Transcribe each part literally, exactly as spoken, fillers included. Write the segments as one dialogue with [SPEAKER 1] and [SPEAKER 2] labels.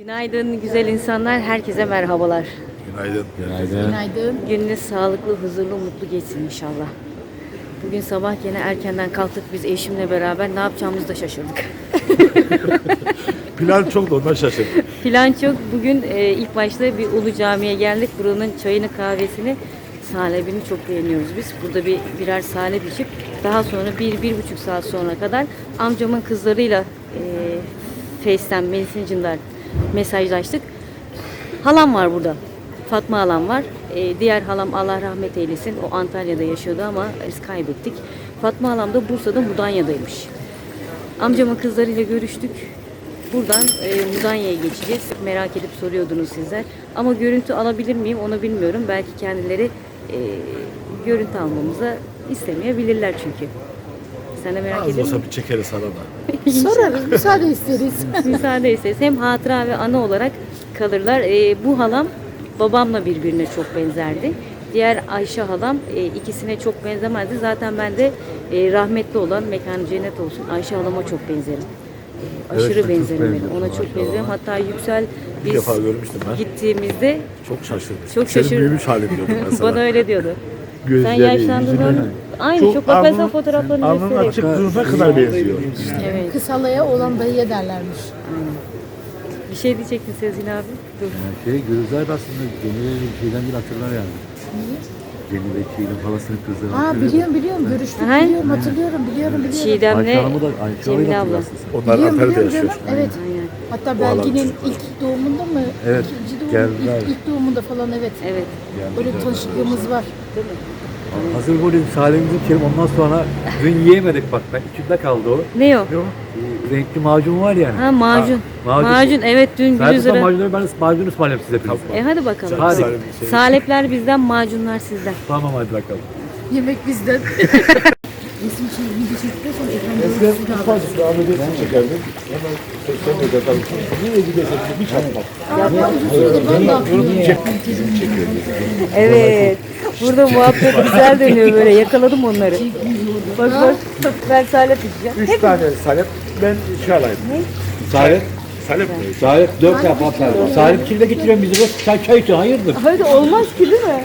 [SPEAKER 1] Günaydın güzel insanlar, herkese merhabalar.
[SPEAKER 2] Günaydın.
[SPEAKER 3] Günaydın.
[SPEAKER 4] Günaydın.
[SPEAKER 1] Gününüz sağlıklı, huzurlu, mutlu geçsin inşallah. Bugün sabah yine erkenden kalktık biz eşimle beraber, ne yapacağımızı da şaşırdık.
[SPEAKER 2] Plan çok da ondan şaşırdım.
[SPEAKER 1] Plan çok. Bugün e, ilk başta bir Ulu Cami'ye geldik. Buranın çayını, kahvesini, salebini çok beğeniyoruz biz. Burada bir birer salep içip daha sonra bir, bir buçuk saat sonra kadar amcamın kızlarıyla e, Face'ten, Messenger'dan mesajlaştık. Halam var burada. Fatma halam var. E, diğer halam Allah rahmet eylesin. O Antalya'da yaşıyordu ama biz kaybettik. Fatma halam da Bursa'da Mudanya'daymış. Amcamın kızlarıyla görüştük. Buradan e, Mudanya'ya geçeceğiz. Merak edip soruyordunuz sizler. Ama görüntü alabilir miyim onu bilmiyorum. Belki kendileri e, görüntü almamızı istemeyebilirler çünkü. Sen de merak
[SPEAKER 2] Az
[SPEAKER 1] ediyor
[SPEAKER 2] olsa
[SPEAKER 1] musun?
[SPEAKER 2] bir çekeriz arada.
[SPEAKER 4] Sorarız, müsaade isteriz.
[SPEAKER 1] Müsaade isteriz. Hem hatıra ve anı olarak kalırlar. E, bu halam babamla birbirine çok benzerdi. Diğer Ayşe halam e, ikisine çok benzemezdi. Zaten ben de e, rahmetli olan, mekanı cennet olsun, Ayşe halama çok benzerim. E, aşırı
[SPEAKER 3] Evet, çok
[SPEAKER 1] benzerim benim.
[SPEAKER 3] benziyorsun
[SPEAKER 1] Ona çok
[SPEAKER 3] Ayşe
[SPEAKER 1] benzerim.
[SPEAKER 3] halama.
[SPEAKER 1] Hatta Yüksel
[SPEAKER 2] Bir
[SPEAKER 1] biz
[SPEAKER 2] defa görmüştüm ben.
[SPEAKER 1] gittiğimizde
[SPEAKER 2] Çok şaşırdım.
[SPEAKER 1] Çok
[SPEAKER 2] Senin
[SPEAKER 1] şaşır-
[SPEAKER 2] büyümüş halin diyordum ben sana.
[SPEAKER 1] bana öyle diyordu. Sen
[SPEAKER 3] Gözleri,
[SPEAKER 1] yaşlandığında
[SPEAKER 3] yüzüne-
[SPEAKER 1] aynı çok,
[SPEAKER 2] Çok
[SPEAKER 1] bakarsan
[SPEAKER 2] alnın-
[SPEAKER 1] fotoğraflarını
[SPEAKER 2] Alnın
[SPEAKER 1] göstereyim.
[SPEAKER 2] açık durduğuna kadar benziyor.
[SPEAKER 1] Evet.
[SPEAKER 4] Kısalaya olan dayıya derlermiş.
[SPEAKER 1] Bir şey diyecektin Sezgin abi. Dur.
[SPEAKER 3] Yani şey Gülizar aslında Cemile'yle bir şeyden bir hatırlar yani. Cemile Çiğdem halasının kızı.
[SPEAKER 4] Ha biliyorum biliyorum görüştük
[SPEAKER 1] Aha.
[SPEAKER 4] biliyorum hatırlıyorum biliyorum biliyorum.
[SPEAKER 1] Çiğdem'le
[SPEAKER 3] Ayşe Hanım'ı da Ayşe Hanım'ı
[SPEAKER 1] Cemile
[SPEAKER 3] da
[SPEAKER 1] abla.
[SPEAKER 3] hatırlarsın sen.
[SPEAKER 2] Onlar
[SPEAKER 4] Biliyorum
[SPEAKER 2] Antalya'da
[SPEAKER 4] biliyorum
[SPEAKER 2] yaşıyor.
[SPEAKER 4] canım. Evet.
[SPEAKER 1] Aynen.
[SPEAKER 4] Hatta
[SPEAKER 2] Bu
[SPEAKER 4] Belgin'in
[SPEAKER 2] alan
[SPEAKER 4] ilk doğumunda mı?
[SPEAKER 3] Evet,
[SPEAKER 4] İkinci doğum,
[SPEAKER 3] geldiler.
[SPEAKER 4] ilk, ilk doğumunda falan evet.
[SPEAKER 1] Evet.
[SPEAKER 4] Öyle tanışıklığımız var.
[SPEAKER 3] Hazır bu dedim Salim'imizi içelim ondan sonra dün yiyemedik bak ben içimde kaldı o.
[SPEAKER 1] Ne o?
[SPEAKER 3] Bu renkli macun var yani.
[SPEAKER 1] Ha macun.
[SPEAKER 3] Ha, macun.
[SPEAKER 1] macun. Evet dün
[SPEAKER 3] Sadece
[SPEAKER 1] Gülüzar'a.
[SPEAKER 3] macunları ben macun ısmarlayayım size biraz.
[SPEAKER 1] E hadi bakalım.
[SPEAKER 3] Hadi.
[SPEAKER 2] Salim şey-
[SPEAKER 1] Salepler bizden, macunlar sizden.
[SPEAKER 3] Tamam hadi bakalım.
[SPEAKER 4] Yemek bizden. Resim şey, video çektikten sonra ekranda
[SPEAKER 2] Eskiden ufacık bir Ahmet Esin çekerdim. Hemen sosyal medyada nereye gidersen bir çarpmak.
[SPEAKER 4] Ya uzun süredir ben de atmıyorum.
[SPEAKER 1] Evet. Burada muhabbet güzel dönüyor böyle. Yakaladım onları. Bak bak. Ben salep içeceğim.
[SPEAKER 2] Üç tane salep, ben şey alayım.
[SPEAKER 3] Salih.
[SPEAKER 2] Salep mi?
[SPEAKER 3] Salih dört defa atlar. Salih kimle getiriyorsun bizi bu? Çay çay için hayırdır?
[SPEAKER 1] Hadi olmaz ki değil mi?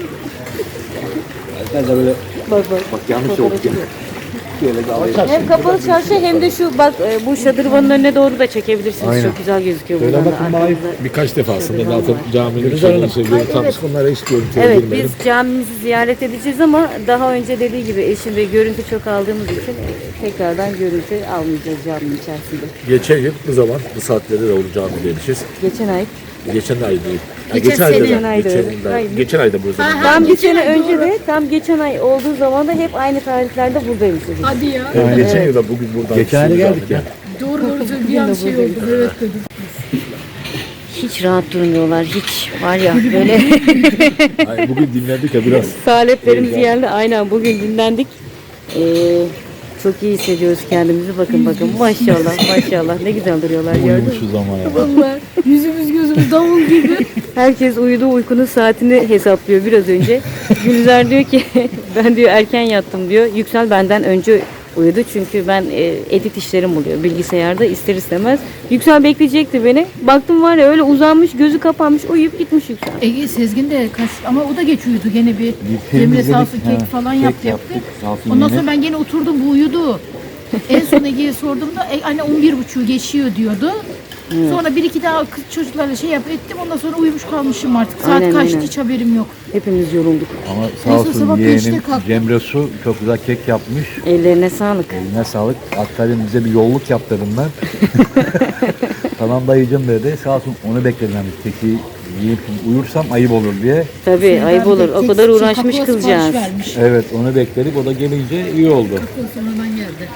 [SPEAKER 3] Ben de böyle
[SPEAKER 1] Bak bak.
[SPEAKER 3] bak yanlış oldu. Şöyle bir alayım.
[SPEAKER 1] Hem kapalı çarşı hem de şu bak e, bu şadırvanın önüne doğru da çekebilirsiniz.
[SPEAKER 3] Aynen.
[SPEAKER 1] Çok güzel gözüküyor
[SPEAKER 3] Şöyle
[SPEAKER 1] buradan da
[SPEAKER 3] bakın bana.
[SPEAKER 1] arkamızda.
[SPEAKER 2] Birkaç defa aslında
[SPEAKER 1] Şadırvan
[SPEAKER 2] zaten
[SPEAKER 1] var.
[SPEAKER 2] caminin
[SPEAKER 3] Güzel hanım.
[SPEAKER 2] içerisinde görüntü almıştık. Onlara hiç görüntüye
[SPEAKER 1] Evet
[SPEAKER 2] girmedim.
[SPEAKER 1] biz camimizi ziyaret edeceğiz ama daha önce dediği gibi eşim ve görüntü çok aldığımız için e, tekrardan görüntü almayacağız caminin içerisinde.
[SPEAKER 2] Geçen yıl bu zaman bu saatlerde de Ulu Cami'ye gelmişiz.
[SPEAKER 1] Geçen ay.
[SPEAKER 2] Geçen ay değil. Ha,
[SPEAKER 4] Geçen
[SPEAKER 2] ayda
[SPEAKER 4] sene.
[SPEAKER 2] da-
[SPEAKER 1] Ayda.
[SPEAKER 2] Geçen, ayda-
[SPEAKER 1] Aynen.
[SPEAKER 2] geçen ayda bu zaman.
[SPEAKER 1] Tam bir
[SPEAKER 4] geçen
[SPEAKER 1] sene
[SPEAKER 4] ay,
[SPEAKER 1] önce
[SPEAKER 4] doğru.
[SPEAKER 1] de tam geçen ay olduğu zaman da hep aynı tarihlerde buradaymışız.
[SPEAKER 4] Hadi ya.
[SPEAKER 2] Evet, geçen yıl da bugün buradan.
[SPEAKER 3] Geçen ay
[SPEAKER 2] Ulu
[SPEAKER 3] geldik
[SPEAKER 2] Cami'de.
[SPEAKER 3] ya.
[SPEAKER 4] Doğru doğru söylüyor. Bir an şey oldu. Evet dedim.
[SPEAKER 1] Hiç rahat durmuyorlar hiç var ya böyle
[SPEAKER 2] Ay, bugün dinlendik ya biraz.
[SPEAKER 1] saleplerimiz geldi aynen bugün dinlendik. Ee, çok iyi hissediyoruz kendimizi bakın bakın maşallah maşallah ne güzel duruyorlar gördün mü?
[SPEAKER 3] Uyumuşuz ama ya.
[SPEAKER 4] Vallahi yüzümüz gözümüz davul gibi.
[SPEAKER 1] Herkes uyudu uykunun saatini hesaplıyor biraz önce. Gülizar diyor ki ben diyor erken yattım diyor. Yüksel benden önce uyudu çünkü ben e, edit işlerim oluyor bilgisayarda ister istemez. Yüksel bekleyecekti beni. Baktım var ya öyle uzanmış gözü kapanmış uyuyup gitmiş Yüksel.
[SPEAKER 4] Ege Sezgin de kaç ama o da geç uyudu gene bir.
[SPEAKER 3] film
[SPEAKER 4] Cemile
[SPEAKER 3] izledik,
[SPEAKER 4] sağ olsun
[SPEAKER 3] ha,
[SPEAKER 4] kek falan
[SPEAKER 3] kek
[SPEAKER 4] yaptı yaptı.
[SPEAKER 3] yaptık, sağ olsun
[SPEAKER 4] Ondan
[SPEAKER 3] yine.
[SPEAKER 4] sonra ben gene oturdum bu uyudu. En son Ege'ye sorduğumda e, anne on bir buçuğu geçiyor diyordu. Sonra bir iki daha kız çocuklarla şey yap ettim ondan sonra uyumuş kalmışım artık. Saat
[SPEAKER 1] Aynen,
[SPEAKER 4] kaçtı
[SPEAKER 1] aynen.
[SPEAKER 4] hiç haberim yok.
[SPEAKER 1] Hepimiz yorulduk.
[SPEAKER 3] Ama
[SPEAKER 4] Neyse,
[SPEAKER 3] sağ olsun
[SPEAKER 4] sabah beşte
[SPEAKER 3] yeğenim
[SPEAKER 4] kalktım.
[SPEAKER 3] Cemre Su çok güzel kek yapmış.
[SPEAKER 1] Ellerine sağlık.
[SPEAKER 3] Eline sağlık. Hatta dedim, bize bir yolluk yap dedim ben. Tamam dayıcım dedi. Sağ olsun onu bekledim. Yani keki yiyip uyursam ayıp olur diye.
[SPEAKER 1] Tabii
[SPEAKER 4] Sezgin
[SPEAKER 1] ayıp
[SPEAKER 4] abi
[SPEAKER 1] olur.
[SPEAKER 4] de
[SPEAKER 1] O
[SPEAKER 4] kek-
[SPEAKER 1] kadar
[SPEAKER 4] şey,
[SPEAKER 1] uğraşmış
[SPEAKER 4] kakao
[SPEAKER 1] kızcağız.
[SPEAKER 4] sipariş vermiş.
[SPEAKER 3] Evet onu bekledik. O da gelince iyi oldu.
[SPEAKER 4] Kakao sonradan geldi.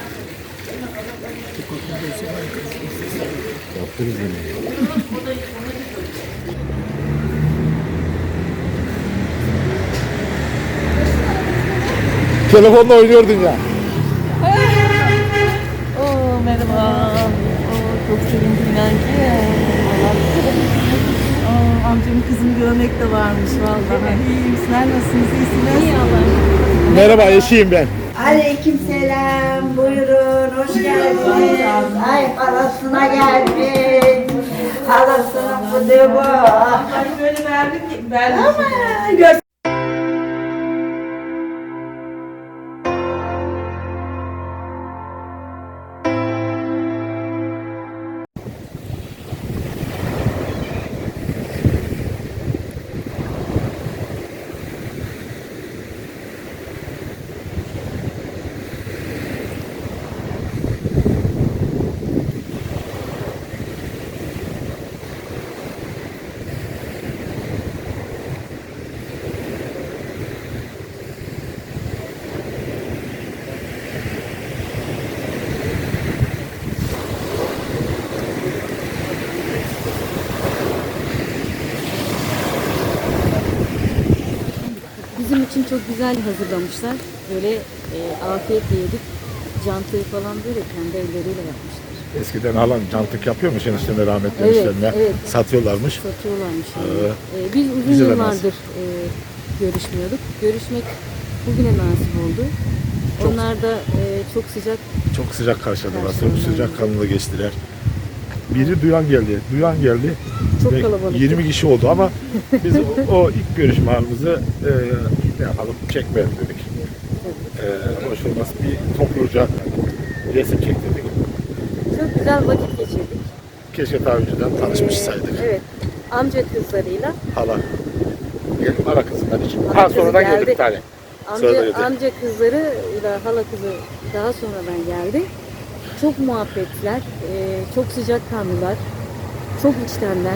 [SPEAKER 3] Yaptırız yine.
[SPEAKER 2] Telefonla oynuyordun ya.
[SPEAKER 1] Oo merhaba. Oo, çok sevindim inan ki.
[SPEAKER 5] Aa, amcamın kızını görmek de varmış vallahi. İyiyim. Sizler nasılsınız? İyisiniz? İyi Allah.
[SPEAKER 2] Merhaba eşiyim ben.
[SPEAKER 6] Aleykümselam, buyurun, hoş geldiniz. Ay parasına geldik.
[SPEAKER 5] Halasına bu deva. Böyle verdik, verdik. Ama gör.
[SPEAKER 1] Bizim için çok güzel hazırlamışlar. Böyle e, afiyetle yedik. Cantayı falan böyle kendi elleriyle yapmışlar.
[SPEAKER 2] Eskiden halan cantık yapıyormuş eniştemle rahmetli
[SPEAKER 1] Evet,
[SPEAKER 2] eniştemle.
[SPEAKER 1] evet.
[SPEAKER 2] Satıyorlarmış.
[SPEAKER 1] Satıyorlarmış. Yani.
[SPEAKER 2] Ee,
[SPEAKER 1] E, biz uzun
[SPEAKER 2] bize de
[SPEAKER 1] yıllardır e, görüşmüyorduk. Görüşmek bugüne nasip oldu.
[SPEAKER 2] Çok-
[SPEAKER 1] Onlar da e, çok sıcak.
[SPEAKER 2] Çok sıcak karşıladılar.
[SPEAKER 1] Karşıladılar.
[SPEAKER 2] Çok sıcak kanlı geçtiler. Biri duyan geldi. Duyan geldi.
[SPEAKER 1] Çok
[SPEAKER 2] Ve
[SPEAKER 1] kalabalıktı.
[SPEAKER 2] yirmi kişi oldu ama biz o, o ilk görüşme anımızı e, ne yapalım çekmeyelim dedik. E, hoş olmaz bir topluca resim çektirdik.
[SPEAKER 1] Çok güzel vakit geçirdik.
[SPEAKER 2] Keşke daha önceden tanışmış
[SPEAKER 1] Ee,
[SPEAKER 2] saydık.
[SPEAKER 1] Evet. Amca kızlarıyla.
[SPEAKER 2] Hala. Geldim ara kızından için.
[SPEAKER 1] Ara
[SPEAKER 2] Ha
[SPEAKER 1] kızı
[SPEAKER 2] sonradan
[SPEAKER 1] geldi.
[SPEAKER 2] geldi bir tane. Sonra
[SPEAKER 1] Amca,
[SPEAKER 2] geldi.
[SPEAKER 1] amca kızlarıyla hala kızı daha sonradan geldi. Çok muhabbetler, e, çok sıcakkanlılar, çok içtenler.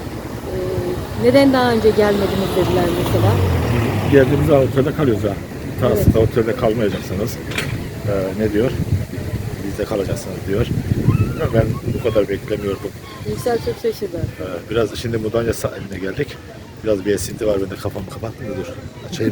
[SPEAKER 1] E, neden daha önce gelmediniz dediler mesela.
[SPEAKER 2] Geldiğimizde otelde kalıyoruz ha.
[SPEAKER 1] Evet.
[SPEAKER 2] Aslında otelde kalmayacaksınız. Ee, ne diyor? Bizde kalacaksınız diyor. Ama ben bu kadar beklemiyordum.
[SPEAKER 1] Yüksel çok şaşırdı.
[SPEAKER 2] Ee, biraz şimdi Mudanya sahiline geldik. Biraz bir esinti var. Ben de kafamı kapattım da dur. Açayım.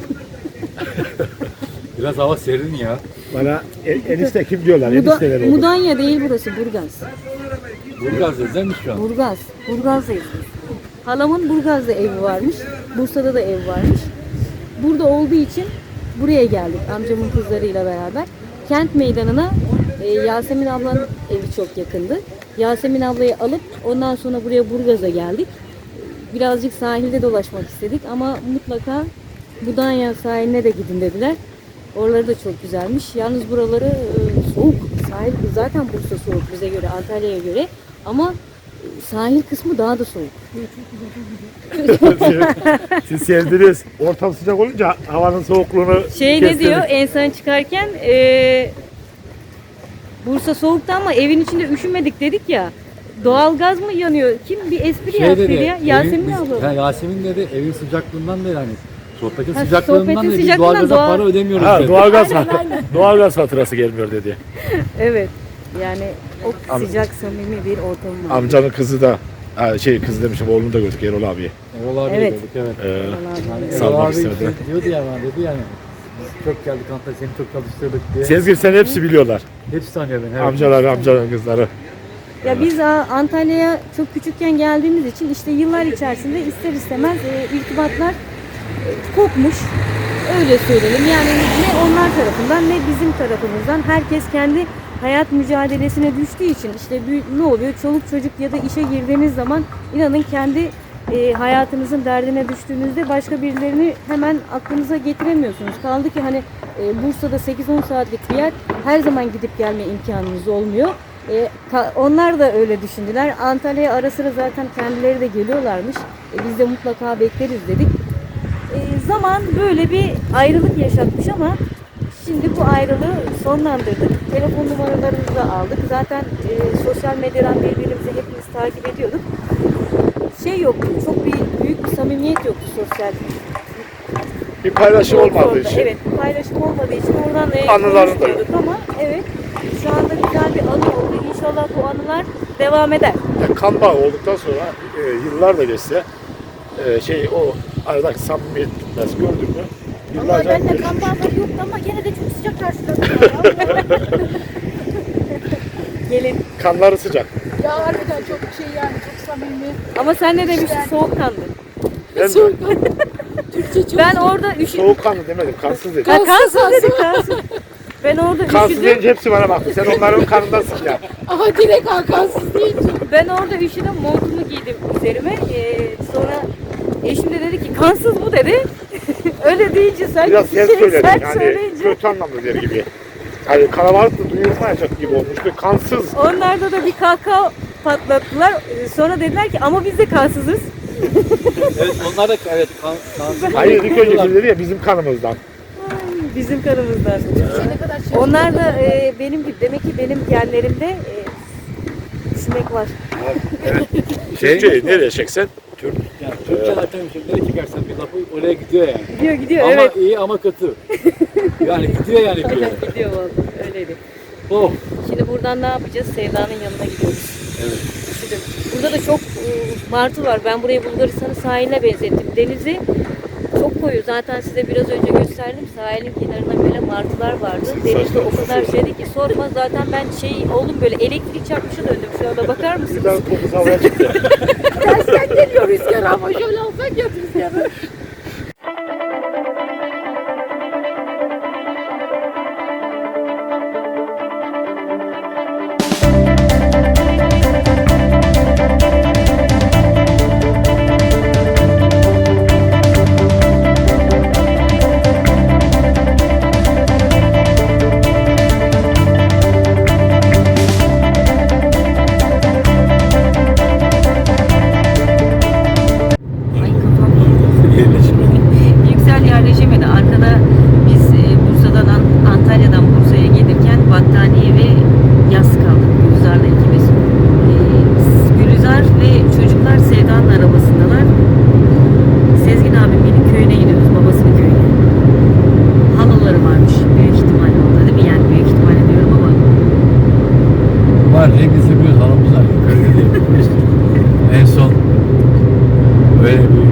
[SPEAKER 3] Biraz hava serin ya.
[SPEAKER 2] Bana en, enişte kim diyorlar?
[SPEAKER 1] Muda,
[SPEAKER 2] Enişteler oldu.
[SPEAKER 1] Mudanya değil burası, Burgaz.
[SPEAKER 3] Burgaz'dayız mi şu an?
[SPEAKER 1] Burgaz. Burgaz'dayız biz. Halamın Burgaz'da evi varmış. Bursa'da da ev varmış. Burada olduğu için buraya geldik amcamın kızlarıyla beraber. Kent meydanına e, Yasemin ablanın evi çok yakındı. Yasemin ablayı alıp ondan sonra buraya Burgaz'a geldik. Birazcık sahilde dolaşmak istedik ama mutlaka Mudanya sahiline de gidin dediler. Oraları da çok güzelmiş. Yalnız buraları e, soğuk. Sahil zaten Bursa soğuk bize göre, Antalya'ya göre. Ama sahil kısmı daha da soğuk.
[SPEAKER 2] Siz sevdiniz. Ortam sıcak olunca havanın soğukluğunu
[SPEAKER 1] Şey ne
[SPEAKER 2] kestirdik.
[SPEAKER 1] diyor en son çıkarken e, Bursa soğuktu ama evin içinde üşümedik dedik ya. Doğalgaz mı yanıyor? Kim bir espri yaptı ya? Yasemin abla.
[SPEAKER 3] Ha, Yasemin dedi evin sıcaklığından değil hani. Sohbetin
[SPEAKER 1] Ha,
[SPEAKER 3] sıcaklığından
[SPEAKER 1] sohbetin
[SPEAKER 3] dedi. Biz
[SPEAKER 1] sıcaklığından
[SPEAKER 3] doğalgaza
[SPEAKER 1] doğal-
[SPEAKER 3] para ödemiyoruz
[SPEAKER 2] Ha,
[SPEAKER 3] dedi.
[SPEAKER 2] doğalgaz, doğalgaz faturası gelmiyor dedi.
[SPEAKER 1] Evet. Yani o
[SPEAKER 2] Am-
[SPEAKER 1] sıcak samimi bir ortam var.
[SPEAKER 2] Amcanın kızı da ha, şey kız demişim oğlunu da gördük Erol abiye.
[SPEAKER 3] Erol abi
[SPEAKER 1] Evet.
[SPEAKER 3] gördük evet.
[SPEAKER 2] Ee,
[SPEAKER 3] Yani Erol
[SPEAKER 2] Salmak
[SPEAKER 3] abi
[SPEAKER 2] istemedi.
[SPEAKER 3] şey diyordu ya bana dedi yani. Biz çok geldik Antalya seni çok çalıştırdık diye.
[SPEAKER 2] Sezgin sen hepsi biliyorlar.
[SPEAKER 3] Hepsi tanıyor beni. Evet.
[SPEAKER 2] Amcaları, amcanın kızları.
[SPEAKER 1] Ya biz a, Antalya'ya çok küçükken geldiğimiz için işte yıllar içerisinde ister istemez e, irtibatlar e, kopmuş. Öyle söyleyelim. Yani ne onlar tarafından ne bizim tarafımızdan herkes kendi hayat mücadelesine düştüğü için işte bir- ne oluyor? Çoluk çocuk ya da işe girdiğiniz zaman inanın kendi e, hayatınızın derdine düştüğünüzde başka birilerini hemen aklınıza getiremiyorsunuz. Kaldı ki hani e, Bursa'da sekiz on saatlik bir yer her zaman gidip gelme imkanınız olmuyor. E, ka- onlar da öyle düşündüler. Antalya'ya ara sıra zaten kendileri de geliyorlarmış. E, biz de mutlaka bekleriz dedik. E, zaman böyle bir ayrılık yaşatmış ama şimdi bu ayrılığı sonlandırdık. Telefon numaralarımızı da aldık. Zaten e, sosyal medyadan birbirimizi hepimiz takip ediyorduk. Şey yoktu, çok bir büyük bir samimiyet yoktu sosyal.
[SPEAKER 2] Bir paylaşım olmadığı
[SPEAKER 1] Orada,
[SPEAKER 2] için.
[SPEAKER 1] Evet, bir paylaşım olmadığı için oradan e,
[SPEAKER 2] Anılarını da-
[SPEAKER 1] konuşmuyorduk ama evet şu anda güzel bir anı oldu. İnşallah bu anılar devam eder.
[SPEAKER 2] Yani kan bağı olduktan sonra e, yıllar da geçse e, şey o aradaki samimiyet bitmez gördün mü?
[SPEAKER 4] Ama
[SPEAKER 2] Yıllarca
[SPEAKER 4] ben de
[SPEAKER 2] görüşmüş.
[SPEAKER 4] kan bağları yoktu ama gene de çok sıcak karşıladılar.
[SPEAKER 1] Gelin.
[SPEAKER 2] Kanları sıcak.
[SPEAKER 4] Ya harbiden çok şey yani çok samimi.
[SPEAKER 1] Ama sen ne demiştin? Soğukkanlı.
[SPEAKER 2] Ben
[SPEAKER 4] Türkçe çok
[SPEAKER 1] Ben orada üşüdüm.
[SPEAKER 2] soğukkanlı demedim, kansız dedim.
[SPEAKER 1] Ha, kansız dedik kansız. Ben orada
[SPEAKER 2] Kansız
[SPEAKER 1] üşüdüm.
[SPEAKER 2] deyince hepsi bana baktı. Sen onların kanındasın ya.
[SPEAKER 4] Ama direkt Hakan'sız deyince.
[SPEAKER 1] Ben orada üşüdüm. Montumu giydim üzerime. Ee, sonra eşim de dedi ki kansız bu dedi. Öyle deyince sen
[SPEAKER 2] Biraz
[SPEAKER 1] şey,
[SPEAKER 2] sert söyledim
[SPEAKER 1] sert
[SPEAKER 2] yani
[SPEAKER 1] söyleyince.
[SPEAKER 2] kötü anlamda der gibi. Hani kalabalık da duyulmayacak gibi olmuş ve kansız.
[SPEAKER 1] Onlarda da bir kahkaha patlattılar. Ee, Sonra dediler ki ama biz de kansızız.
[SPEAKER 3] Evet onlar da evet kan, kansız.
[SPEAKER 2] Hayır ilk önce dedi ya bizim kanımızdan.
[SPEAKER 1] Bizim kanımızdan.
[SPEAKER 4] Ne kadar şey.
[SPEAKER 1] Onlar da e, benim gibi. Demek ki benim genlerimde e, sinek var.
[SPEAKER 2] Türkçeyi nereye çeksen?
[SPEAKER 3] Türk, yani Türkçe zaten bir şey. Nereye çıkarsan bir lafı oraya gidiyor yani.
[SPEAKER 1] Gidiyor gidiyor
[SPEAKER 3] Ama
[SPEAKER 1] evet.
[SPEAKER 3] iyi ama kötü. Yani gidiyor yani bir yere.
[SPEAKER 1] Gidiyor vallahi öyleydi.
[SPEAKER 3] Oh.
[SPEAKER 1] Şimdi buradan ne yapacağız? Sevda'nın yanına gidiyoruz.
[SPEAKER 3] Evet.
[SPEAKER 1] Şimdi burada da çok e, martı var. Ben burayı Bulgaristan'ın sahiline benzettim. Denizi çok koyu. Zaten size biraz önce gösterdim. Sahilin kenarında böyle martılar vardı. Denizde o kadar şeydi ki sorma. Zaten ben şey oldum böyle elektrik çarpmışa döndüm şu anda. Bakar mısınız?
[SPEAKER 2] Birden topuz havaya çıktı.
[SPEAKER 4] Tersten geliyor rüzgar ama şöyle alsak ya rüzgarı.
[SPEAKER 1] Ay kafam. Yüksel yerleşemedi. Arkada biz e, Bursa'dan An- Antalya'dan Bursa'ya gelirken battaniye ve yas kaldık. Gülizar'la ikimiz. E, Gülizar ve çocuklar Sevda'nın arabasındalar. Sezgin abimin köyüne gidiyoruz. Babasının köyüne. Halaları varmış. Büyük ihtimalle orada değil mi? Yani büyük ihtimalle diyorum ama.
[SPEAKER 3] Var hepimiz biliyoruz halımız var. Köyde değil. Biz en son böyle bir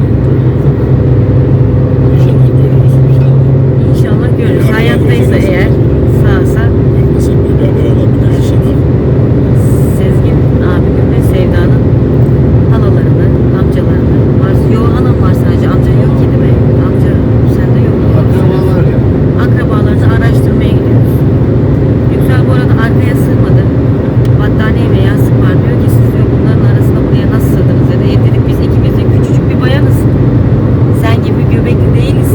[SPEAKER 3] İnşallah görürüz inşallah.
[SPEAKER 1] İnşallah görürüz. Hayattaysa eğer sağsa
[SPEAKER 3] Nasıl bir haber alabiliriz inşallah.
[SPEAKER 1] Sezgin abimin ve Sevda'nın halalarını, amcalarını var. Yok halam var sadece. Amca yok ki değil mi? Amca sende yok.
[SPEAKER 3] Akrabalar ya.
[SPEAKER 1] Akrabalarını araştırmaya gidiyoruz. Yüksel bu arada arkaya sığmadı. Battaniye ve yastık var. Diyor ki siz diyor bunların arasında buraya nasıl sığdınız dedi. E dedik biz ikimiz de küçücük bir bayanız. Sen gibi göbekli değiliz.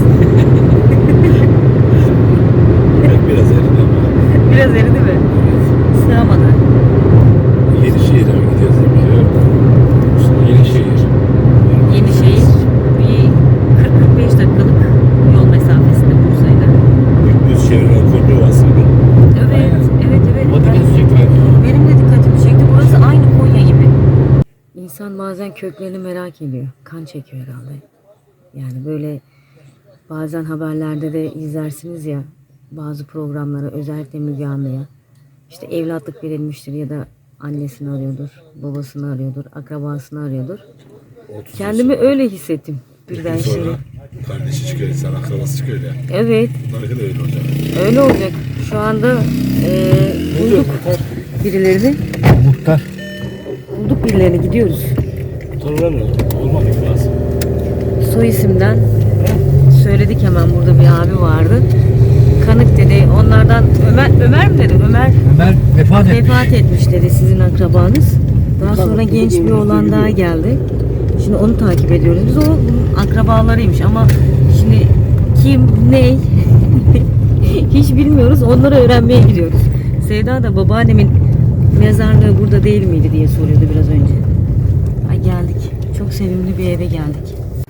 [SPEAKER 3] Biraz eridi ama.
[SPEAKER 1] Biraz eridi mi? Sığamadı.
[SPEAKER 3] Yenişehir'e mi gidiyoruz değil mi? Yenişehir.
[SPEAKER 1] Yenişehir bir kırk kırk beş dakikalık yol mesafesinde Bursa'yla.
[SPEAKER 3] Düz çevrilen Konya aslında.
[SPEAKER 1] Evet, evet, evet.
[SPEAKER 3] O dikkatini çekti mi?
[SPEAKER 1] Benim de dikkatimi çekti. Burası aynı Konya gibi. İnsan bazen köklerini merak ediyor. Kan çekiyor herhalde. Yani böyle bazen haberlerde de izlersiniz ya bazı programlara özellikle Müge Anlı'ya işte evlatlık verilmiştir ya da annesini arıyordur, babasını arıyordur, akrabasını arıyordur. Kendimi öyle hissettim birden şimdi.
[SPEAKER 3] Kardeşi çıkıyor, insan akrabası çıkıyor ya.
[SPEAKER 1] Evet,
[SPEAKER 3] Bunlar da öyle olacak.
[SPEAKER 1] öyle olacak. Şu anda eee bulduk birilerini.
[SPEAKER 3] Muhtar.
[SPEAKER 1] Bulduk birilerini gidiyoruz.
[SPEAKER 3] Muhtarlar ne? Olmadı lazım.
[SPEAKER 1] Soy isimden söyledik hemen burada bir abi vardı. Kanık dedi. Onlardan Ömer Ömer mi dedi? Ömer
[SPEAKER 3] Ömer vefat etmiş.
[SPEAKER 1] vefat etmiş dedi sizin akrabanız. Daha sonra genç bir oğlan daha geldi. Şimdi onu takip ediyoruz. Biz o akrabalarıymış ama şimdi kim, ne hiç bilmiyoruz. Onları öğrenmeye gidiyoruz. Sevda da babaannemin mezarlığı burada değil miydi diye soruyordu biraz önce. Ay geldik. Çok sevimli bir eve geldik.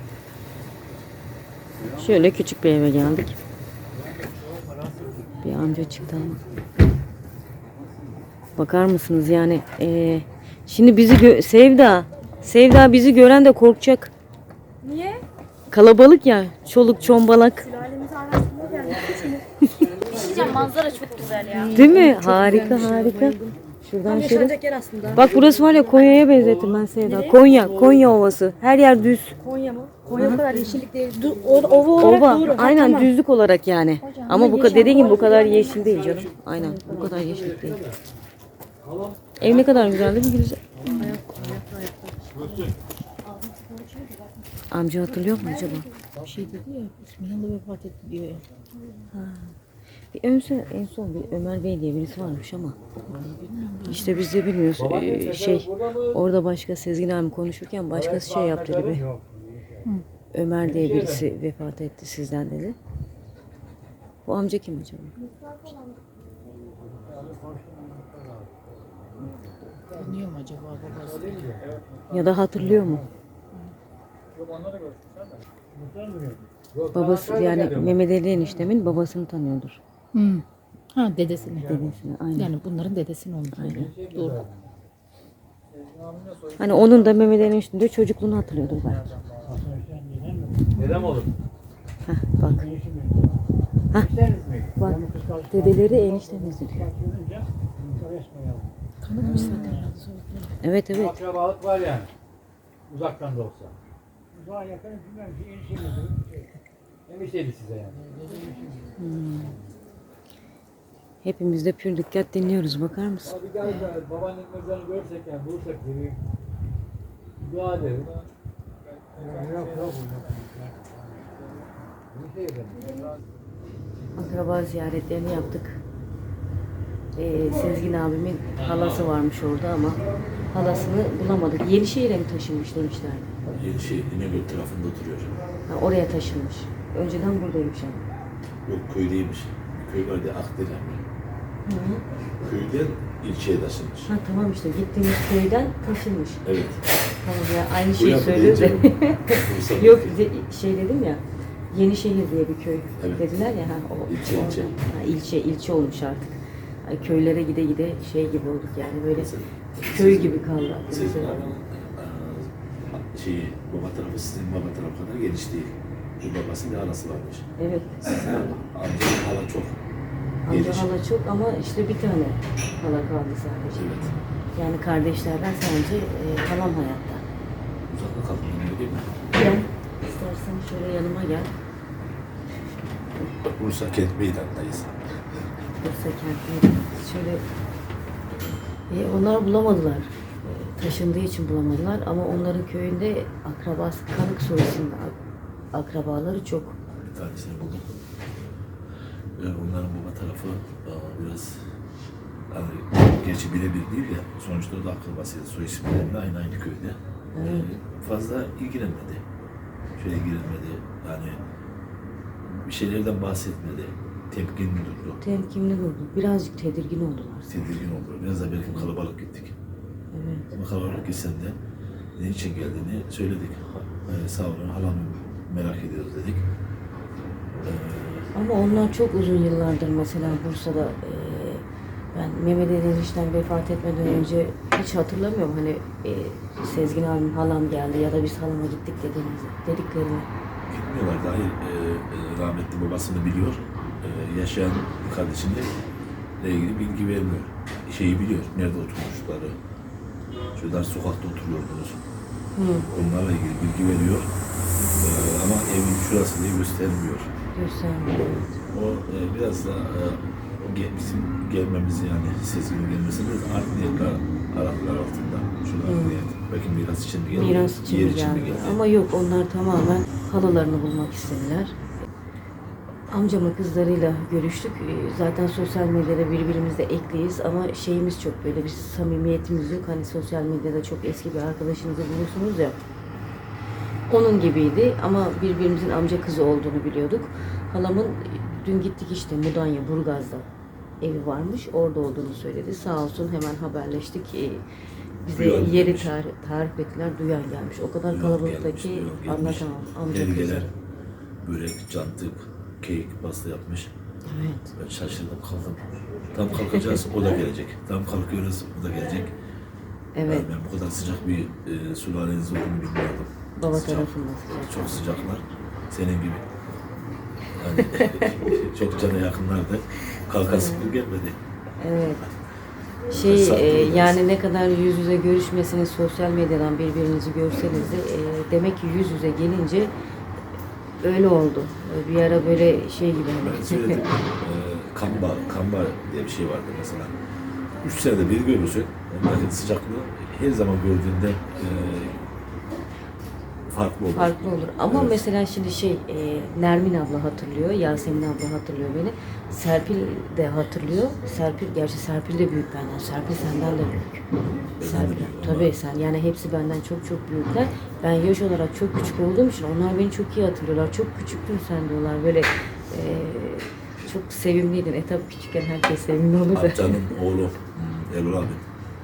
[SPEAKER 1] Şöyle küçük bir eve geldik. Bir amca çıktı ama. Bakar mısınız yani eee, şimdi bizi gö- Sevda Sevda bizi gören de korkacak.
[SPEAKER 6] Niye?
[SPEAKER 1] Kalabalık ya. Çoluk çombalak.
[SPEAKER 6] Sülalemiz arasında geldik. Bir şey diyeceğim, manzara çok güzel ya.
[SPEAKER 1] Değil mi? Harika harika. Şuradan şöyle.
[SPEAKER 6] Yaşanacak yer aslında.
[SPEAKER 1] Bak burası var ya Konya'ya benzettim ben Sevda. Konya, Konya Ovası. Her yer düz.
[SPEAKER 6] Konya mı? Konya o kadar yeşillik değil. Du- o- ova olarak
[SPEAKER 1] Ova.
[SPEAKER 6] doğru. Ha,
[SPEAKER 1] Aynen
[SPEAKER 6] tamam.
[SPEAKER 1] düzlük olarak yani. Ama bu kadar dediğin gibi bu kadar yeşil değil canım. Aynen bu kadar yeşil değil. Ev ne kadar güzel değil mi Gülüzel? Amca hatırlıyor mu acaba?
[SPEAKER 4] Bir şey dedi ya, İsmail da vefat etti diyor ya.
[SPEAKER 1] Bir ön son, en son bir Ömer Bey diye birisi varmış ama işte biz de bilmiyoruz. Ee, şey orada başka Sezgin abi konuşurken başkası şey yaptı gibi. Ömer diye birisi vefat etti sizden dedi. Bu amca kim acaba?
[SPEAKER 4] Tanıyor mu acaba babası?
[SPEAKER 1] Ya da hatırlıyor mu? Babası yani Mehmet Ali eniştemin babasını tanıyordur.
[SPEAKER 4] Hı. Ha dedesini.
[SPEAKER 1] Dedesini aynen.
[SPEAKER 4] Yani bunların dedesini onu söylüyor. Doğru.
[SPEAKER 1] Hani onun da Mehmet Ali eniştemin çocukluğunu hatırlıyordur belki.
[SPEAKER 3] Neden olur?
[SPEAKER 1] Heh, bak. Heh, bak. Dedeleri eniştemiz diyor.
[SPEAKER 4] Kanıtmış zaten.
[SPEAKER 1] Evet evet.
[SPEAKER 3] Akrabalık var yani. Uzaktan da olsa.
[SPEAKER 7] Daha yakın bilmem ki enişte mi?
[SPEAKER 3] Demişteydi size yani.
[SPEAKER 1] Hepimiz de pür dikkat dinliyoruz. Bakar mısın?
[SPEAKER 3] Abi gel gel. Babaannenin mezarını görsek yani bulursak bir dua edelim.
[SPEAKER 7] Yok yok.
[SPEAKER 1] Akraba ziyaretlerini yaptık. Ee, Sezgin abimin halası varmış orada ama halasını bulamadık. Yenişehir'e mi taşınmış demişlerdi.
[SPEAKER 8] Yenişehir İnegöl tarafında oturuyor.
[SPEAKER 1] Ha, oraya taşınmış. Önceden buradaymış ama.
[SPEAKER 8] Yok köydeymiş. Bir köy vardı Akdelen. Köyden ilçeye taşınmış.
[SPEAKER 1] Ha tamam işte gittiğimiz köyden taşınmış.
[SPEAKER 8] Evet.
[SPEAKER 1] Tamam ya aynı
[SPEAKER 8] Bu
[SPEAKER 1] şeyi
[SPEAKER 8] yapı
[SPEAKER 1] söylüyor da.
[SPEAKER 8] deyince Bursa'da
[SPEAKER 1] Yok
[SPEAKER 8] değil.
[SPEAKER 1] de- şey dedim ya. Yenişehir diye bir köy
[SPEAKER 8] Evet.
[SPEAKER 1] dediler ya. Ha, o,
[SPEAKER 8] İlçe,
[SPEAKER 1] oradan.
[SPEAKER 8] ilçe.
[SPEAKER 1] Ha, ilçe, ilçe olmuş artık. Ay, köylere gide gide şey gibi olduk yani böyle
[SPEAKER 8] Mesela
[SPEAKER 1] köy
[SPEAKER 8] sizin-
[SPEAKER 1] gibi kaldı.
[SPEAKER 8] Sizin
[SPEAKER 1] Mesela.
[SPEAKER 8] abinin eee, şeyi, baba tarafı sizin baba tarafı kadar geniş değil. Bu babası bir halası varmış.
[SPEAKER 1] Evet.
[SPEAKER 8] Sizin amcanın hala çok
[SPEAKER 1] Amca
[SPEAKER 8] geniş.
[SPEAKER 1] hala çok ama işte bir tane hala kaldı sadece.
[SPEAKER 8] Evet.
[SPEAKER 1] Yani kardeşlerden sadece e, halam hayatta.
[SPEAKER 8] Uzakta kalkmıyor değil mi?
[SPEAKER 1] Gel. İstersen şöyle yanıma gel.
[SPEAKER 8] Bursa Kent Meydanı'ndayız.
[SPEAKER 1] Bursa kentinde. Şöyle e, onlar bulamadılar. E, taşındığı için bulamadılar ama onların köyünde akrabası Kanık soyusunda akrabaları çok.
[SPEAKER 8] Bir tanesini buldum. Yani onların baba tarafı aa, biraz hani, gerçi birebir değil de sonuçta o da akrabasıydı. Soy isimlerinde aynı aynı köyde. Yani fazla ilgilenmedi. Şöyle ilgilenmedi. Yani bir şeylerden bahsetmedi. Temkinli durdu.
[SPEAKER 1] Temkinli durdu. Birazcık tedirgin oldular.
[SPEAKER 8] Tedirgin oldu. Biraz da belki kalabalık gittik.
[SPEAKER 1] Evet.
[SPEAKER 8] Ama kalabalık gitsen de ne için geldiğini söyledik. Ha, sağ olun halamı merak ediyoruz dedik. Ee,
[SPEAKER 1] Ama onlar çok uzun yıllardır mesela Bursa'da e, ben Mehmet Ali enişten vefat etmeden önce hiç hatırlamıyorum hani e, Sezgin abim halam geldi ya da biz halama gittik dediğimizi, dediklerini.
[SPEAKER 8] Bilmiyorlar dahi e, e, rahmetli babasını biliyor. E, yaşayan kardeşinle ile ilgili bilgi vermiyor. Şeyi biliyor. Nerede oturmuşları. Şurada sokakta oturuyordunuz.
[SPEAKER 1] Hı,
[SPEAKER 8] Onlarla ilgili bilgi veriyor. E, ama evin şurası diye göstermiyor.
[SPEAKER 1] göstermiyor.
[SPEAKER 8] O e, biraz da e, o ge- bizim gelmemizi yani Sezgin'in gelmesini de art niyetler aradılar altında. Şurada art niyet. Belki miras için mi geldi?
[SPEAKER 1] Miras için
[SPEAKER 8] yer
[SPEAKER 1] mi
[SPEAKER 8] için mi
[SPEAKER 1] geldi?
[SPEAKER 8] geldi?
[SPEAKER 1] Ama yok onlar tamamen halalarını bulmak istediler. Amcamın kızlarıyla görüştük. Ee, Zaten sosyal medyada birbirimizle ekliyiz ama şeyimiz çok böyle bir samimiyetimiz yok. Hani sosyal medyada çok eski bir arkadaşınızı bulursunuz ya. Onun gibiydi ama birbirimizin amca kızı olduğunu biliyorduk. Halamın dün gittik işte Mudanya, Burgaz'da evi varmış. Orada olduğunu söyledi. Sağ olsun hemen haberleştik. Ee, Bize
[SPEAKER 8] Duyan
[SPEAKER 1] yeri
[SPEAKER 8] gelmiş.
[SPEAKER 1] tarif, tarif ettiler. Duyan gelmiş. O kadar
[SPEAKER 8] Duyan
[SPEAKER 1] kalabalıkta
[SPEAKER 8] gelmiş,
[SPEAKER 1] ki
[SPEAKER 8] duyan gelmiş.
[SPEAKER 1] anlatamam. Amca
[SPEAKER 8] Hediyeler,
[SPEAKER 1] kızları.
[SPEAKER 8] börek, cantık, kek, pasta yapmış.
[SPEAKER 1] Evet.
[SPEAKER 8] Ben şaşırdım kaldım. Tam kalkacağız, o da gelecek. Tam kalkıyoruz, o da gelecek.
[SPEAKER 1] Evet.
[SPEAKER 8] Yani ben bu kadar sıcak bir e, sülaleniz olduğunu bilmiyordum.
[SPEAKER 1] Baba
[SPEAKER 8] Sıcak,
[SPEAKER 1] tarafında sıcak.
[SPEAKER 8] Çok sıcaklar. Senin gibi. Yani çok cana yakınlardı. Kalkası bir gelmedi.
[SPEAKER 1] Evet. Şey
[SPEAKER 8] Sattı
[SPEAKER 1] e,
[SPEAKER 8] biraz.
[SPEAKER 1] yani ne kadar yüz yüze görüşmesiniz sosyal medyadan birbirinizi görseniz de e, demek ki yüz yüze gelince öyle oldu. Bir ara böyle şey gibi.
[SPEAKER 8] Ben söyledim. e, kamba, kamba diye bir şey vardı mesela. Üç senede bir görürsün. Onların sıcaklığı her zaman gördüğünde e, farklı olur.
[SPEAKER 1] Farklı olur. Ama
[SPEAKER 8] Evet.
[SPEAKER 1] mesela şimdi şey e, Nermin abla hatırlıyor, Yasemin abla hatırlıyor beni. Serpil de hatırlıyor. Serpil, gerçi Serpil de büyük benden. Serpil senden de büyük. Serpil, tabii sen. Yani hepsi benden çok çok büyükler. Ben yaş olarak çok küçük olduğum için onlar beni çok iyi hatırlıyorlar. Çok küçüktün sen diyorlar. Böyle e, çok sevimliydin. E tabii küçükken herkes sevimli olur da.
[SPEAKER 8] Amcanın oğlu hmm, Erol abi.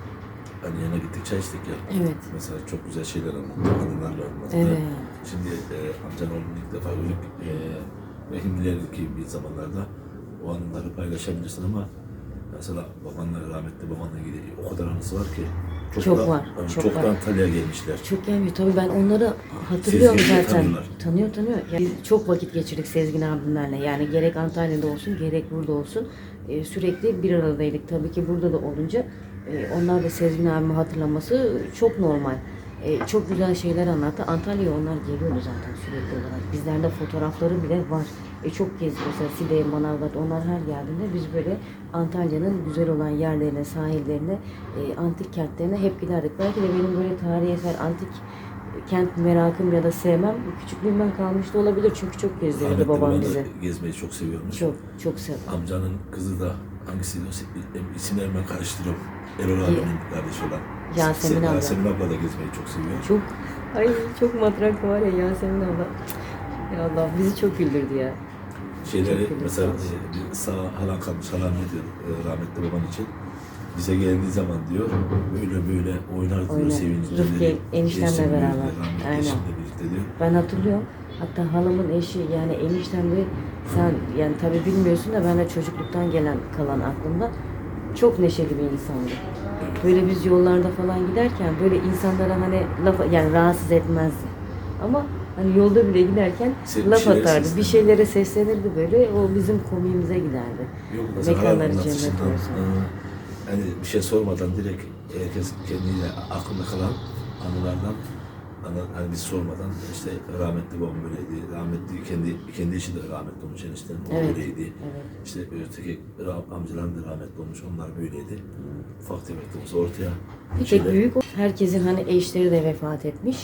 [SPEAKER 8] Hani yana gittik çay içtik ya.
[SPEAKER 1] Evet.
[SPEAKER 8] Mesela çok güzel şeyler anlattı. Anılarla anlattı.
[SPEAKER 1] Evet.
[SPEAKER 8] Şimdi e, amcanın oğlunu ilk defa gördük. E, ve ki bir zamanlarda o anıları paylaşabilirsin ama mesela babanla, rahmetli babanla ilgili o kadar anısı var ki.
[SPEAKER 1] Çok
[SPEAKER 8] da-
[SPEAKER 1] var,
[SPEAKER 8] yani
[SPEAKER 1] çok
[SPEAKER 8] çok
[SPEAKER 1] var.
[SPEAKER 8] da Antalya'ya gelmişler.
[SPEAKER 1] Çok gelmiyor. Tabii ben onları hatırlıyorum
[SPEAKER 8] Sezgin'i
[SPEAKER 1] zaten.
[SPEAKER 8] tanıyorlar.
[SPEAKER 1] Tanıyor tanıyor. Yani biz çok vakit geçirdik Sezgin abimlerle. Yani gerek Antalya'da olsun gerek burada olsun. Ee, sürekli bir aradaydık. Tabii ki burada da olunca e, onlar da Sezgin abimi hatırlaması çok normal. E, çok güzel şeyler anlattı. Antalya'ya onlar geliyordu zaten sürekli olarak. Bizlerde fotoğrafları bile var. E, çok gezdik mesela Side, Manavgat, onlar her geldiğinde biz böyle Antalya'nın güzel olan yerlerine, sahillerine, e, antik kentlerine hep giderdik. Belki de benim böyle tarihi eser, antik kent merakım ya da sevmem küçüklüğümden kalmış da olabilir. Çünkü çok gezdirirdi
[SPEAKER 8] Rahmetli
[SPEAKER 1] babam
[SPEAKER 8] baban da
[SPEAKER 1] bizi.
[SPEAKER 8] gezmeyi çok seviyormuş.
[SPEAKER 1] Çok, çok sev.
[SPEAKER 8] Amcanın kızı da hangisiydi o isimlerimi ben karıştırıyorum. Erol abinin kardeşi olan.
[SPEAKER 1] Yasemin abla.
[SPEAKER 8] Yasemin abla da gezmeyi çok seviyor.
[SPEAKER 1] Çok, ay çok matrak var ya Yasemin abla. Ya Allah bizi çok güldürdü ya.
[SPEAKER 8] Şeyleri
[SPEAKER 1] Çok güzel.
[SPEAKER 8] mesela e, bir sağ halan kalmış, halam ne diyor e, rahmetli baban için. Bize geldiği zaman diyor böyle böyle oynar diyor
[SPEAKER 1] Oynar.
[SPEAKER 8] sevinçli.
[SPEAKER 1] Rıfkı eniştemle beraber. Aynen.
[SPEAKER 8] Eşimle birlikte diyor.
[SPEAKER 1] Ben hatırlıyorum. Hatta halamın eşi yani eniştem de sen yani tabii bilmiyorsun da ben de çocukluktan gelen kalan aklımda çok neşeli bir insandı. Böyle biz yollarda falan giderken böyle insanlara hani laf yani rahatsız etmezdi. Ama hani yolda bile giderken
[SPEAKER 8] Se- bir
[SPEAKER 1] laf
[SPEAKER 8] şeylere
[SPEAKER 1] atardı. Bir
[SPEAKER 8] seslenirdi.
[SPEAKER 1] şeylere seslenirdi böyle. O bizim komiğimize giderdi.
[SPEAKER 8] Yok mesela
[SPEAKER 1] Mekanları
[SPEAKER 8] halam
[SPEAKER 1] cennet
[SPEAKER 8] anlatışından
[SPEAKER 1] olsun.
[SPEAKER 8] e, hani bir şey sormadan direkt herkes kendiyle aklında kalan anılardan Hani, hani biz sormadan işte rahmetli babam böyleydi, rahmetli kendi kendi işi de rahmetli olmuş enişten o
[SPEAKER 1] Evet,
[SPEAKER 8] böyleydi.
[SPEAKER 1] evet.
[SPEAKER 8] İşte öteki rah- amcalarım da rahmetli olmuş, onlar böyleydi. Ufak tefek de olsa ortaya
[SPEAKER 1] Bir tek
[SPEAKER 8] şeyler-
[SPEAKER 1] büyük o. Herkesin hani eşleri de vefat etmiş.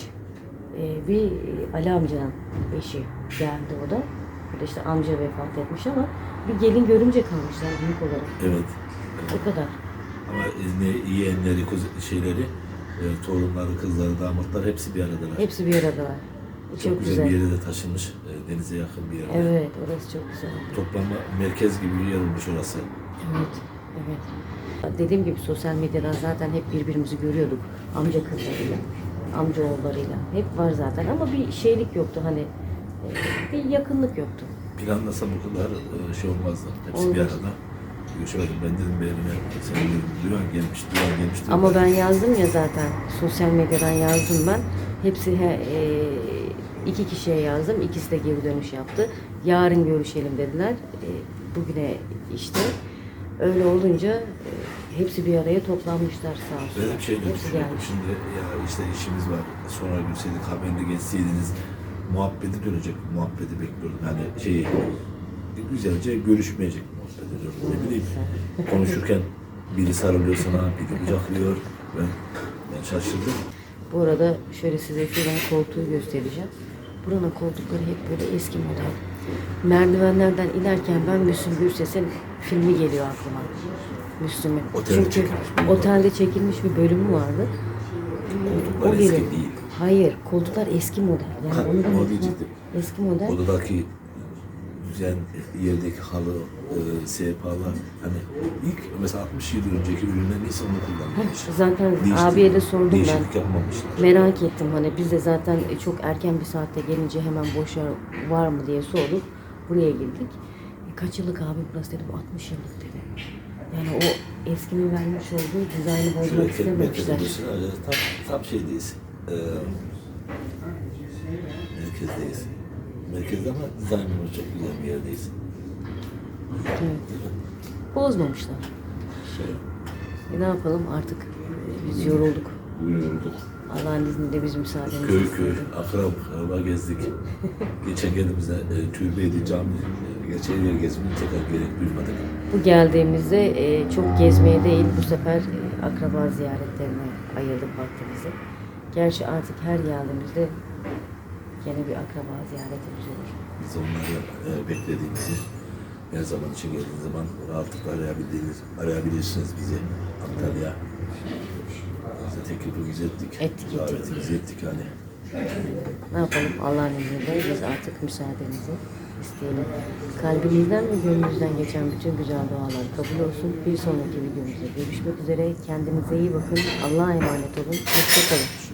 [SPEAKER 1] Ee, bir Ali amcanın eşi geldi o da. Bir de işte amca vefat etmiş ama bir gelin görümce kalmışlar büyük olarak.
[SPEAKER 8] Evet.
[SPEAKER 1] O kadar.
[SPEAKER 8] Ama ne yeğenleri, kuz- şeyleri, e, torunları, kızları, damatlar hepsi bir aradalar.
[SPEAKER 1] Hepsi bir aradalar.
[SPEAKER 8] Çok,
[SPEAKER 1] Çok,
[SPEAKER 8] güzel,
[SPEAKER 1] güzel.
[SPEAKER 8] bir yere de taşınmış, e, denize yakın bir yere.
[SPEAKER 1] Evet, orası çok güzel.
[SPEAKER 8] Toplanma merkez gibi bir yer olmuş orası.
[SPEAKER 1] Evet, evet. Dediğim gibi sosyal medyadan zaten hep birbirimizi görüyorduk. Amca kızlarıyla, amca oğullarıyla. Hep var zaten ama bir şeylik yoktu hani. e, Bir yakınlık yoktu.
[SPEAKER 8] Planlasam bu kadar e, şey olmazdı. Hepsi bir
[SPEAKER 1] Olmaz.
[SPEAKER 8] arada. Görüşmedim. Ben dedim bir evime, sen dedim, Duyan gelmiş, Duyan gelmiş. dedim.
[SPEAKER 1] Ama ben yazdım ya zaten. Sosyal medyadan yazdım ben. Hepsi he, e, iki kişiye yazdım. İkisi de geri dönüş yaptı. Yarın görüşelim dediler. E, bugüne işte. Öyle olunca e, hepsi bir araya toplanmışlar sağ olsun.
[SPEAKER 8] Böyle bir şey de
[SPEAKER 1] Hepsi
[SPEAKER 8] düşünüyorum.
[SPEAKER 1] gelmiş.
[SPEAKER 8] Şimdi ya işte işimiz var. Sonra gülseydik, haberle geçseydiniz muhabbeti dönecek. Muhabbeti bekliyordum. Yani şeyi güzelce görüşmeyecek muhabbet ediyorum. Ne bileyim konuşurken biri sarılıyor sana, biri kucaklıyor. Ben, ben şaşırdım.
[SPEAKER 1] Bu arada şöyle size şuradan koltuğu göstereceğim. Buranın koltukları hep böyle eski model. Merdivenlerden inerken ben Müslüm Gürses'in filmi geliyor aklıma. Müslüm'ün.
[SPEAKER 8] Otelde
[SPEAKER 1] Çünkü
[SPEAKER 8] çekilmiş bir
[SPEAKER 1] otelde çekilmiş bir bölümü vardı.
[SPEAKER 8] Koltuklar eski
[SPEAKER 1] geliyor.
[SPEAKER 8] değil.
[SPEAKER 1] Hayır, koltuklar eski model. Yani
[SPEAKER 8] Ha,
[SPEAKER 1] onu da
[SPEAKER 8] onu diyecektim.
[SPEAKER 1] eski model.
[SPEAKER 8] Odadaki düzen, yerdeki halı, e, sehpalar, hani ilk mesela altmış yıl önceki ürünler neyse onu kullanmış.
[SPEAKER 1] Zaten
[SPEAKER 8] Değişti-
[SPEAKER 1] abiye de sordum ben.
[SPEAKER 8] Değişiklik yapmamışlar.
[SPEAKER 1] Merak ettim hani biz de zaten çok erken bir saatte gelince hemen boş yer var mı diye sorduk. Buraya girdik. E, kaç yıllık abi burası dedi. Bu altmış yıllık dedi. Yani o eskinin vermiş olduğu dizaynı bozmak
[SPEAKER 8] Şöyle
[SPEAKER 1] istememişler.
[SPEAKER 8] merkezdeyiz. Tam, tam şeydeyiz. Ee, merkezdeyiz. Merkezde ama dizaynımız çok güzel bir yerdeyiz.
[SPEAKER 1] Evet. Bozmamışlar. Şey, e, ne yapalım artık e, biz yorulduk.
[SPEAKER 8] Yorulduk.
[SPEAKER 1] Allah'ın izniyle biz müsaademizi
[SPEAKER 8] Köy köy,
[SPEAKER 1] istedik.
[SPEAKER 8] akrab, akraba gezdik. Geçen geldiğimizde e, türbeydi, cami, e, gerçi her yer gezmeyi tekrar gerek duymadık.
[SPEAKER 1] Bu geldiğimizde e, çok gezmeye değil bu sefer e, akraba ziyaretlerine ayırdık vaktimizi. Gerçi artık her geldiğimizde gene bir akraba ziyaretimiz olur.
[SPEAKER 8] Biz onları e, beklediğimizi her zaman için geldiğiniz zaman rahatlıkla arayabildiğiniz, arayabilirsiniz bizi Antalya. Bize teklifimizi ettik.
[SPEAKER 1] Ettik, ettik.
[SPEAKER 8] Davetimizi ettik hani.
[SPEAKER 1] Ne yapalım Allah'ın izniyle biz artık müsaadenizi isteyelim. Kalbinizden ve gönlünüzden geçen bütün güzel dualar kabul olsun. Bir sonraki videomuzda görüşmek üzere. Kendinize iyi bakın. Allah'a emanet olun. Hoşça kalın.